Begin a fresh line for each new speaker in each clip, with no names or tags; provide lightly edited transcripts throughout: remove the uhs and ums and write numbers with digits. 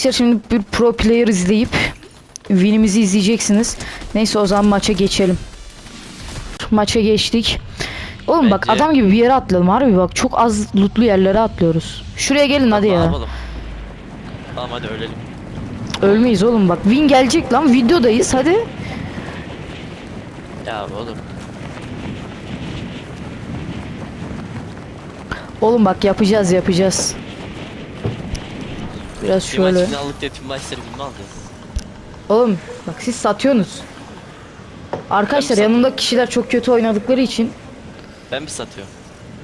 Arkadaşlar şimdi bir pro player izleyip win'imizi izleyeceksiniz. Neyse o zaman maça geçelim. Maça geçtik. Oğlum bak
Bence-
adam gibi bir yere atlayalım harbi bak çok az lootlu yerlere atlıyoruz. Şuraya gelin hadi
Ne
ya.
yapalım? Tamam hadi ölelim.
Ölmeyiz oğlum bak win gelecek lan videodayız hadi.
Ya oğlum.
Oğlum bak yapacağız. Biraz
Bir maç
şöyle.
finallık diye tüm maçları bilme alacağız.
Oğlum bak siz satıyorsunuz. Arkadaşlar
Ben mi
yanımdaki kişiler çok kötü oynadıkları için.
Ben mi satıyorum?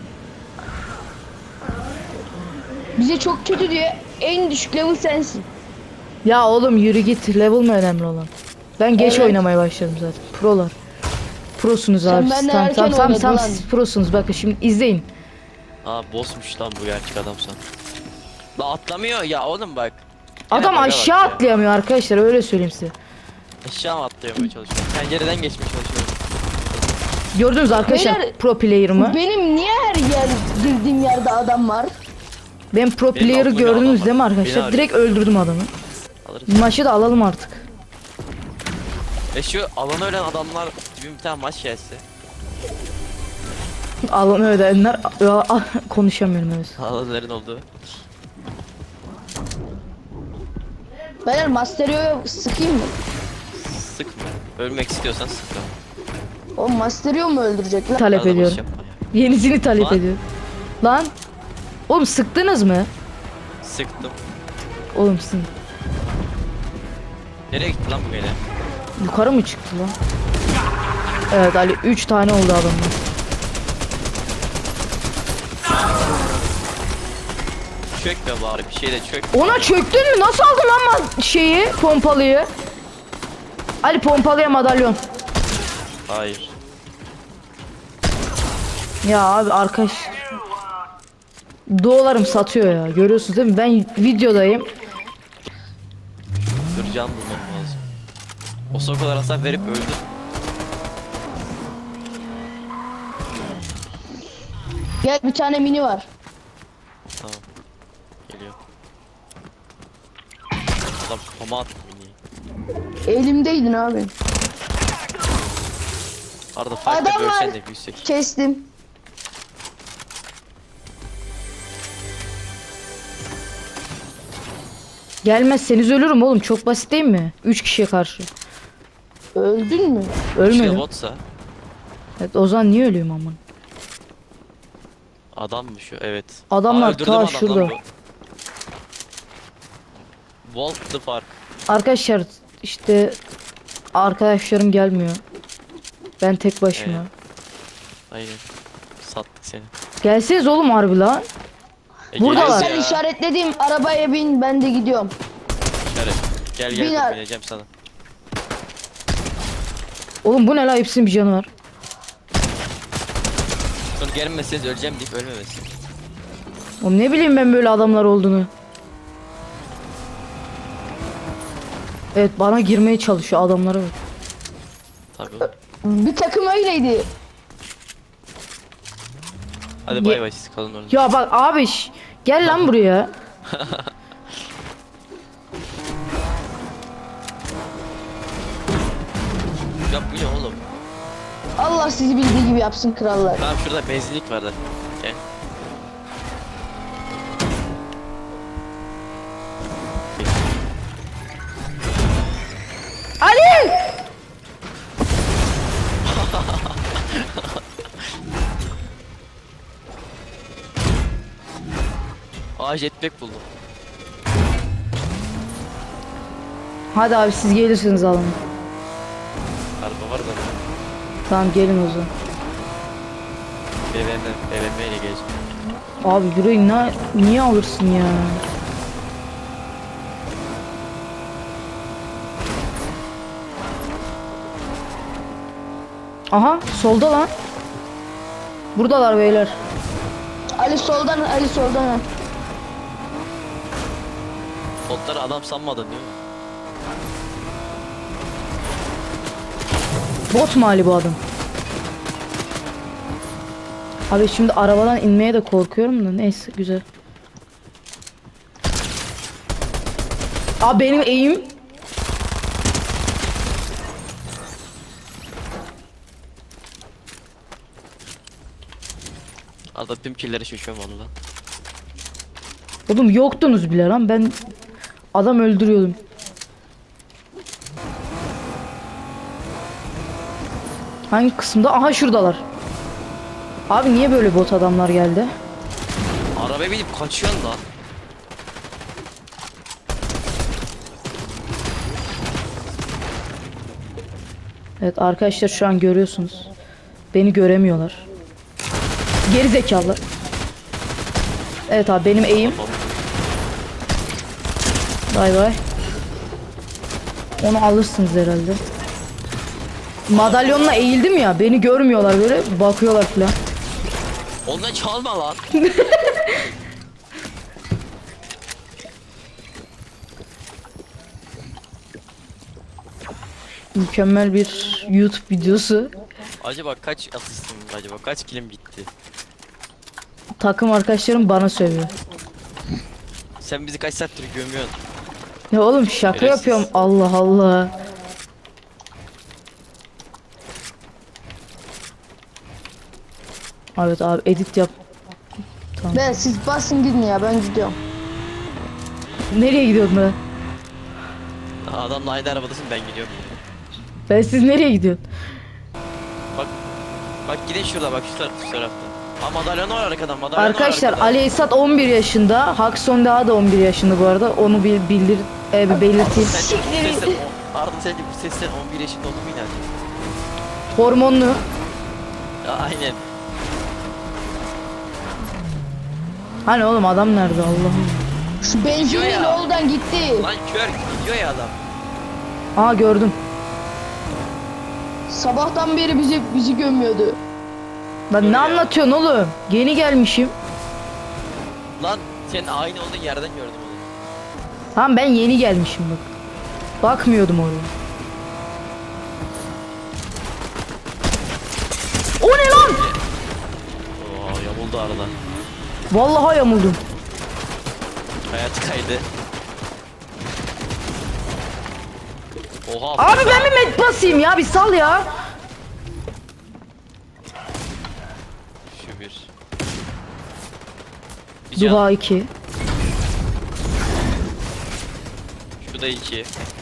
Bize çok kötü diyor. En düşük level sensin.
Ya oğlum yürü git level mi önemli olan? Ben geç
Evet.
oynamaya başladım zaten. Prolar. Prosunuz
Sen
abi.
benden
Tamam
erken
tamam tamam,
oynadın
tamam
lan.
siz prosunuz bakın şimdi izleyin.
Aa bossmuş lan bu gerçek adam sana. La atlamıyor ya oğlum bak. Yine
Adam
bug'a
aşağı
bak ya.
atlayamıyor arkadaşlar öyle söyleyeyim size.
Aşağı mı atlayamaya çalışıyor? Pencereden geçmeye çalışıyor.
Gördünüz arkadaşlar
Beyler,
pro player'ımı.
Benim niye her yer girdiğim yerde adam var?
Ben pro
Benim
player'ı
altımda bir adam
gördünüz
var.
değil mi
Beni
arkadaşlar?
arıyor.
Direkt öldürdüm adamı.
Alırız.
Maçı da alalım artık.
Şu alana ölen adamlar gibi bir tane maç gelse.
Alanı ödenler konuşamıyorum evet.
Alanların olduğu.
Beyler Masterio'ya sıkayım mı?
Sıkma. Ölmek istiyorsan sıkma.
O Masterio mu öldürecek lan?
Talep
Arada boş
ediyorum.
yapma ya.
Yenisini talep
Lan.
ediyorum. Lan. Oğlum sıktınız mı?
Sıktım.
Oğlum sizin
Nereye gitti lan bu gene?
yukarı mı çıktı lan? Evet Ali 3 tane oldu adamlar.
Çökme bari bir şey de çök.
Ona çöktün mü? Nasıl aldın lan şeyi pompalıyı? Ali pompalıya madalyon.
Hayır.
Ya abi arkadaş dolarım satıyor ya. Görüyorsunuz değil mi? Ben videodayım.
Dur can bulmam lazım. O sokalar hasar verip öldü.
Gel bir tane mini var.
Tamam. Geliyor. Adam kafama attı mini.
Elimdeydin abi.
Arada fight'ta
Adam var.
bölsen de büyüsek.
Kestim.
Gelmezseniz ölürüm oğlum. Çok basit değil mi? 3 kişiye karşı.
Öldün mü?
Ölmedim.
Ölmedim.
Botsa
Evet, o zaman niye ölüyorum aman?
adam mı şu? Evet.
Adamlar
öldürdüm
ta
adam lan
şurada.
bu. Volt the Park.
Arkadaşlar işte arkadaşlarım gelmiyor. Ben tek başıma.
Evet. Aynen. Sattık seni.
Gelseniz oğlum harbi lan. Buradalar.
geliyoruz
Sen
ya.
işaretlediğim arabaya bin, ben de gidiyorum.
İşaret. Gel gel
Biner.
dur, bineceğim sana.
Oğlum bu ne la hepsinin bir canı var.
Sonra gelmezseniz öleceğim deyip ölmemesin.
Oğlum ne bileyim ben böyle adamlar olduğunu. Evet bana girmeye çalışıyor adamlara bak.
Tabii oğlum.
Bir takım öyleydi.
Hadi bay bay siz kalın orada.
Ya bak abi gel lan buraya.
Ya bu ne oğlum?
Allah sizi bildiği gibi yapsın krallar.
Tamam şurada benzinlik var da. Gel.
Ali!
Aa jetpack buldum.
Hadi abi siz gelirsiniz alın.
Araba var da.
Tamam gelin o zaman.
BMW ile geleceğim.
Abi burayı niye alırsın ya? Aha solda lan. Buradalar beyler.
Ali soldan, Ali soldan.
Botları adam sanmadın değil mi?
Bot mu Ali bu adam? Abi şimdi arabadan inmeye de korkuyorum da neyse güzel. Aa benim eğim.
Arada tüm killeri şişiyorum valla.
Oğlum yoktunuz bile lan, ben adam öldürüyordum. Hangi kısımda? Aha şuradalar. Abi niye böyle bot adamlar geldi?
Arabaya binip kaçıyorsun lan.
Evet arkadaşlar, şu an görüyorsunuz. Beni göremiyorlar. Geri zekalı. Evet abi benim eğim. Bay bay. Onu alırsınız herhalde. Madalyonla eğildim ya, beni görmüyorlar, böyle bakıyorlar falan.
Ondan çalma lan.
Mükemmel bir YouTube videosu.
Acaba kaç asistim acaba kaç kilim gitti?
Takım arkadaşlarım bana sövüyor.
Sen bizi kaç saattir gömüyorsun?
Ya oğlum şaka
Şerefsiz.
yapıyorum, Allah Allah. Evet abi edit yap.
Ben siz basın gidin ya, ben gidiyorum.
Nereye gidiyordun ben?
Adamla aynı arabadasın ben gidiyorum.
Ben siz nereye gidiyorsun?
Bak gidin şurada bak şu tarafta. Ha madalyon var arkadan madalyon
Arkadaşlar
var arkadan.
Ali Esat 11 yaşında. Hakson daha da 11 yaşında bu arada. Onu bir bildir bir belirteyim.
Sence bu sesten Arda sence bu sesten 11 yaşında olduğumu inandın?
Hormonlu.
Ya aynen.
Hani oğlum adam nerede Allah'ım.
Şu benzinli
ya.
yoldan gitti.
Lan kör gidiyor ya adam.
Aa gördüm.
Sabahtan beri bizi gömüyordu.
Lan
Dur
ne
ya.
anlatıyorsun oğlum? Yeni gelmişim.
Lan senin aynı olduğun yerden gördüm onu.
Tamam ben yeni gelmişim bak. Bakmıyordum oraya. O ne lan?
Oo yamuldu arada.
Vallahi yamuldum.
Hayat kaydı. Oha.
Abi ben bir med basayım ya, bir sal ya.
Şu bir. Bir can.
Duha 2.
Şu da 2.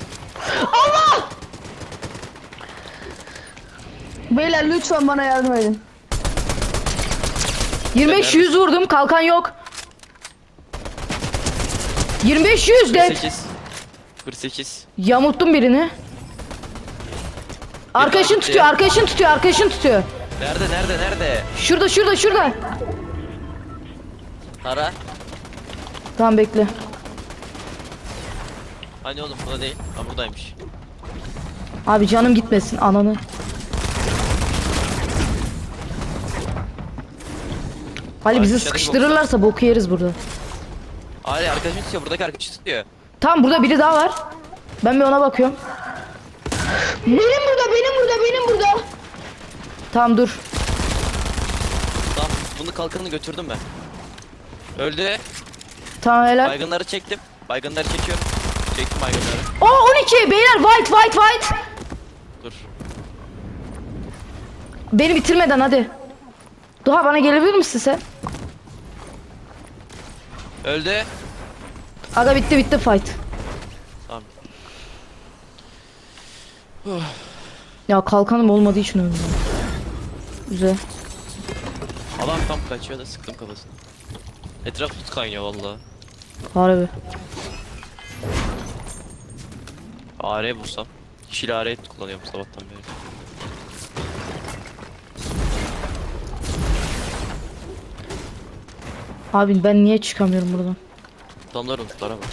Beyler lütfen bana yardım edin.
25-100 vurdum, kalkan yok. 25-100 de
48. 48.
yamulttum birini. Arkadaşın
gitti.
tutuyor, arkadaşın tutuyor, arkadaşın tutuyor.
Nerede?
Şurada.
Ara.
Tamam bekle.
Hani oğlum burada değil. Ha buradaymış.
Abi canım gitmesin ananı. Ali bizi
dışarıdaki
sıkıştırırlarsa boku yeriz burada.
Ali arkadaşım tutuyor. Buradaki arkadaşı tutuyor.
Tamam burada biri daha var. Ben bir ona bakıyorum.
Benim burada.
Tamam dur.
Tamam bunu kalkanını götürdüm ben. Öldü.
Tamam helal.
Baygınları çektim. Baygınları çekiyorum. Çektim baygınları.
Oo 12 beyler, white.
Dur.
Beni bitirmeden hadi. Duha bana gelebilir misin sen?
Öldü.
Aga bitti fight.
Tamam.
Ya kalkanım olmadığı için öldüm. Güzel.
Adam tam kaçıyor da sıktım kafasını. Etraf tut kaynıyor valla.
Harbi.
AR bulsam. Yeşil AR kullanıyorum sabahtan beri.
Abi ben niye çıkamıyorum buradan?
Adamlar unutlara bak.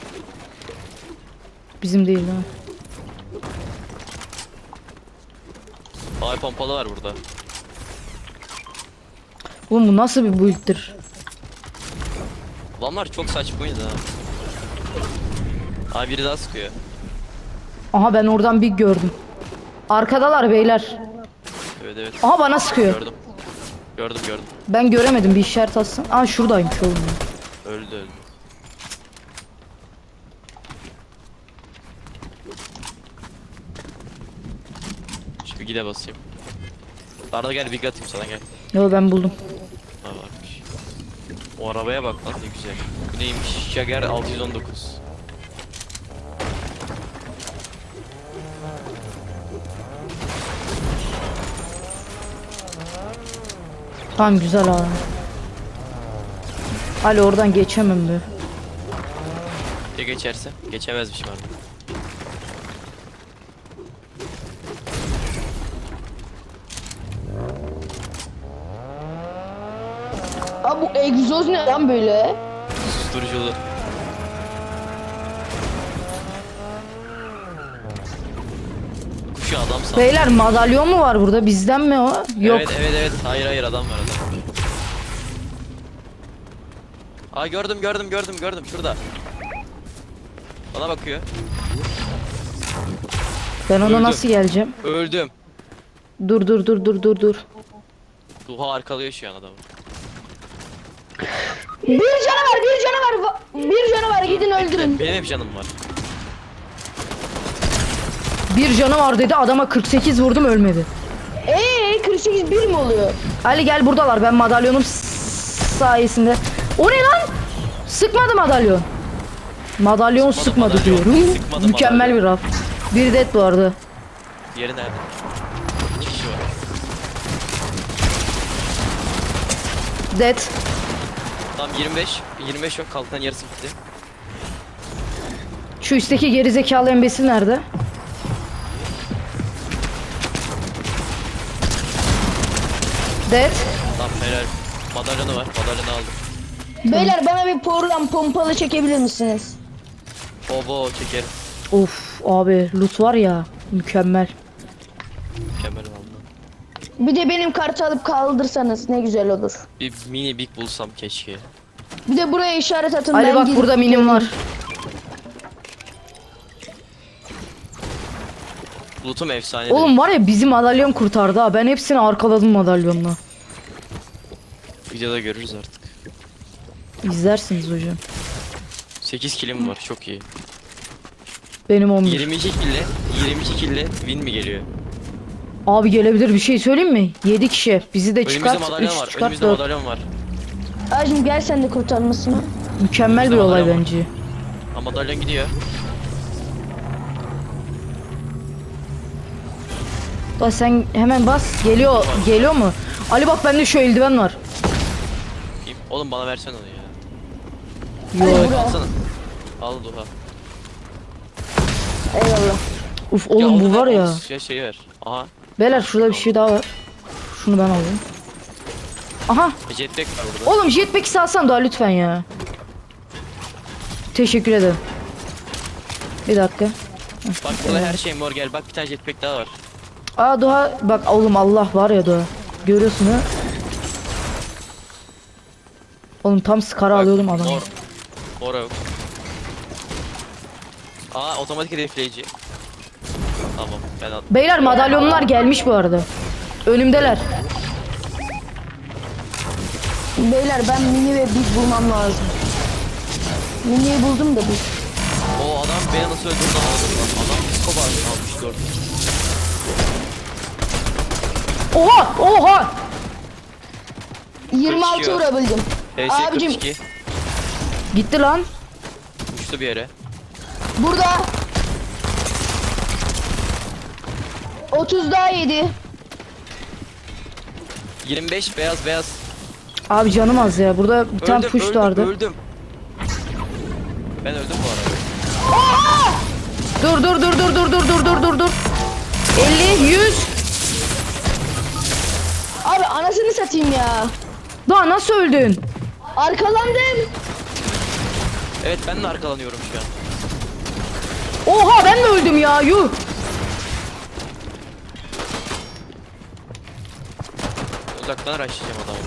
Bizim değil ha.
Ay pompalı var burada.
Oğlum bu nasıl bir build'tir?
Adamlar çok saçmaydı ha. Abi biri daha sıkıyor.
Aha ben oradan bir gördüm. Arkadalar beyler.
Evet.
Aha bana sıkıyor.
Gördüm.
Ben göremedim, bir işaret atsın. Aa şuradaymış oğlum.
Öldü. Bir gide basayım. Arada gel bir atayım sana gel.
Yo ben buldum.
Ha varmış. O arabaya bak lan ne güzel. Bu neymiş? Jaguar 619.
Tamam güzel abi. Ali oradan geçemem be.
Ya geçerse? Geçemezmişim artık.
Abi bu egzoz ne lan böyle?
Susturuculu. Kuşu adam sandım.
Beyler madalyon mu var burada? Bizden mi o? Yok.
Evet. Hayır adam var adam. Aa gördüm şurada. Bana bakıyor.
Ben ona
Öldüm.
nasıl geleceğim?
Öldüm.
Dur.
Duha arkalıyor şu an adamı.
Bir canavar gidin öldürün.
Benim hep canım var.
Bir canı var dedi adama 48 vurdum ölmedi.
48 bir mi oluyor?
Ali gel buradalar ben madalyonum sayesinde. O ne lan? Sıkmadı madalyon. Madalyon sıkmadı
madalyon.
diyorum.
Sıkmadı
Mükemmel
madalyon.
bir raf. Bir dead bu arada.
Diğeri nerede? 2 kişi var.
Dead.
Tamam 25 yok kalkan yarısı bitti.
Şu üstteki gerizekalı embesil nerede? Dead.
Tamam helal. Madalyonu var. Madalyonu aldım.
Beyler bana bir porlan pompalı çekebilir misiniz?
Obo çekerim.
Of abi loot var ya mükemmel.
Mükemmel valla.
Bir de benim kartı alıp kaldırsanız ne güzel olur.
Bir mini big bulsam keşke.
Bir de buraya işaret atın.
Ali
ben
bak
gidip
burada minim
geleyim.
var.
Loot'um efsane.
Oğlum var ya bizim madalyon kurtardı ha. Ben hepsini arkaladım madalyonla.
Videoda görürüz artık.
İzlersiniz hocam.
8 killim var çok iyi.
Benim 11.
22 kille win mi geliyor?
Abi gelebilir bir şey söyleyeyim mi? 7 kişi. Bizi de
Önümüzde
çıkart.
madalyon
3
var.
çıkart
Önümüzde
4.
madalyon var.
Acım gel sen de kurtarmasına.
Mükemmel bir
Önümüzde
olay
madalyon var.
bence.
Ha madalyon gidiyor.
Da sen hemen bas. Geliyor mu? Ali bak bende şu eldiven var.
Kim? Oğlum bana versene onu ya.
Yok.
Buraya.
Alsana. Al Duha.
Eyvallah.
Uf oğlum bu
onu
var
ver,
ya.
onu şey ver. Aha.
Beyler şurada bir şey daha var. Şunu ben alayım. Aha.
Jetpack var burada.
Oğlum jetpack'i salsan daha lütfen ya. Teşekkür ederim. Bir dakika.
Bak burada her şey mor gel. Bak bir tane jetpack daha var.
Aa Doğa bak oğlum Allah var ya Doğa. Görüyorsun ha. Oğlum tam skara
Bak,
alıyordum adamı.
Mor yok. Aa otomatik hedefleyici. Tamam ben al.
Beyler madalyonlar gelmiş bu arada. Önümdeler.
Beyler ben mini ve big bulmam lazım. Mini'yi buldum da big.
O adam beni nasıl öldürdü anladım lan. Adam psikopat almış gördüm.
Oha!
26
Kaçıyor.
vurabildim.
PS
Abicim
42
Gitti lan.
uçtu bir yere.
burada 30 daha yedi.
25 beyaz.
Abi canım az ya. Burada bir tane push vardı.
Öldüm. Ben öldüm bu arada.
Dur. 50 100.
Abi anasını satayım ya.
Daha nasıl öldün?
Arkalandım.
Evet ben de arkalanıyorum şu an.
Oha ben de öldüm ya. Yuh.
Uzaktan araştıracağım adamı.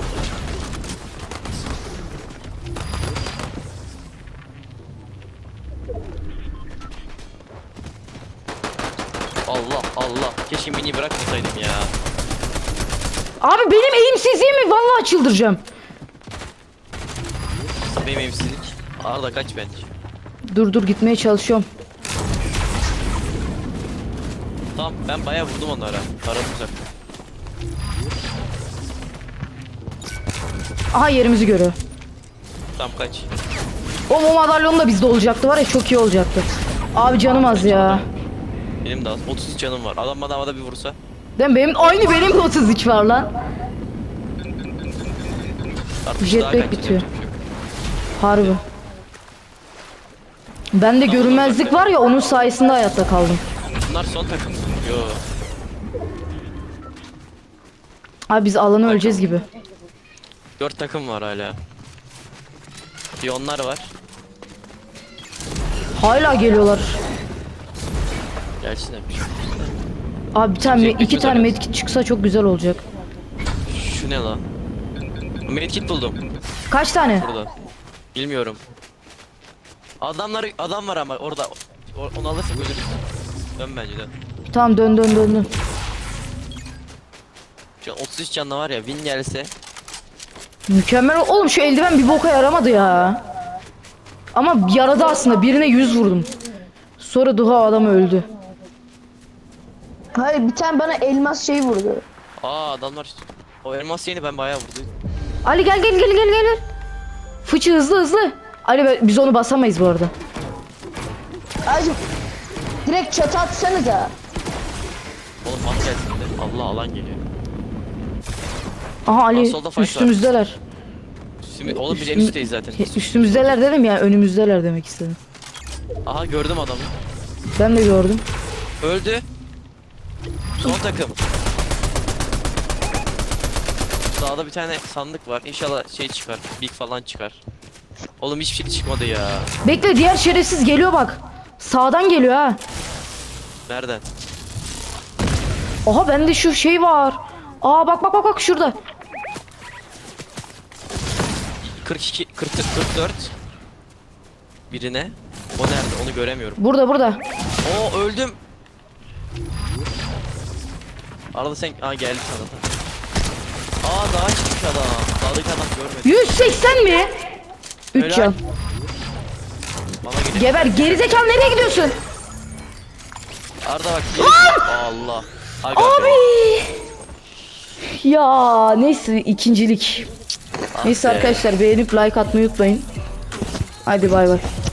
Allah. Keşke mini bırakmasaydım ya.
Abi benim eğimsizliğimi vallahi çıldıracağım.
Benim emsizlik. Arda kaç bence.
Dur gitmeye çalışıyorum.
Tamam ben bayağı vurdum onlara. Taradım uzak.
Aha yerimizi görüyor.
Tamam kaç.
O madalyonu da bizde olacaktı var ya, çok iyi olacaktı. Abi canım az ya.
Benim de az. 30 canım var. Adam bana havada bir vursa.
Değil mi? Benim de 33 var lan.
Artık
Jetpack
daha kaç
bitiyor.
yapacak bir şey yok.
Harbi. Bende görünmezlik var ya, onun sayesinde hayatta kaldım.
Bunlar son takım. Yo.
Abi biz alanı öleceğiz gibi.
4 takım var hala. Bir onlar var.
Hala geliyorlar.
Gelsin hep.
Abi bir tane
Jetpack
iki
mi
tane
zaten?
medkit çıksa çok güzel olacak.
Şu ne lan? Medkit buldum
Kaç tane?
burada. Bilmiyorum. Adam var ama orada. Onu alırsak ölürüz. Dön bence dön.
Tamam dön.
Şu an 33 canlı var ya, win gelse.
Mükemmel. Oğlum şu eldiven bir boka yaramadı ya. Ama yaradı aslında. Birine 100 vurdum. Sonra Duha adam öldü.
Hayır, bir tane bana elmas şey vurdu.
Aa adamlar işte. O elmas yeni ben bayağı vurdum.
Ali gel. Fıçı hızlı. Ali biz onu basamayız bu arada.
Acım direkt çatı atsanıza.
Oğlum at gelsin de. Allah alan geliyor.
Aha Ali
solda fight var.
üstümüzdeler.
Oğlum biz en üstteyiz zaten.
Üstümüzdeler dedim ya, önümüzdeler demek istedim.
Aha gördüm adamı.
Ben de gördüm.
Öldü. Son takım. Sağda bir tane sandık var. İnşallah şey çıkar. Big falan çıkar. Oğlum hiçbir şey çıkmadı ya.
Bekle, diğer şerefsiz geliyor bak. Sağdan geliyor ha.
Nereden?
Aha bende şu şey var. Aa bak şurada.
42 44 birine. O nerede? Onu göremiyorum.
Burada.
Oo öldüm. Arada sen geldi sana. Aa daha çıkmış adam. Dağdaki adam görmedim.
180 mi? 3
Helal.
can.
Bana geliyor.
Geber gerizekalı, nereye gidiyorsun?
Arda bak. Allah. Aga
Abi.
be.
Ya neyse, ikincilik.
Ah
Neyse
be.
arkadaşlar, beğenip like atmayı unutmayın. Hadi bay bay.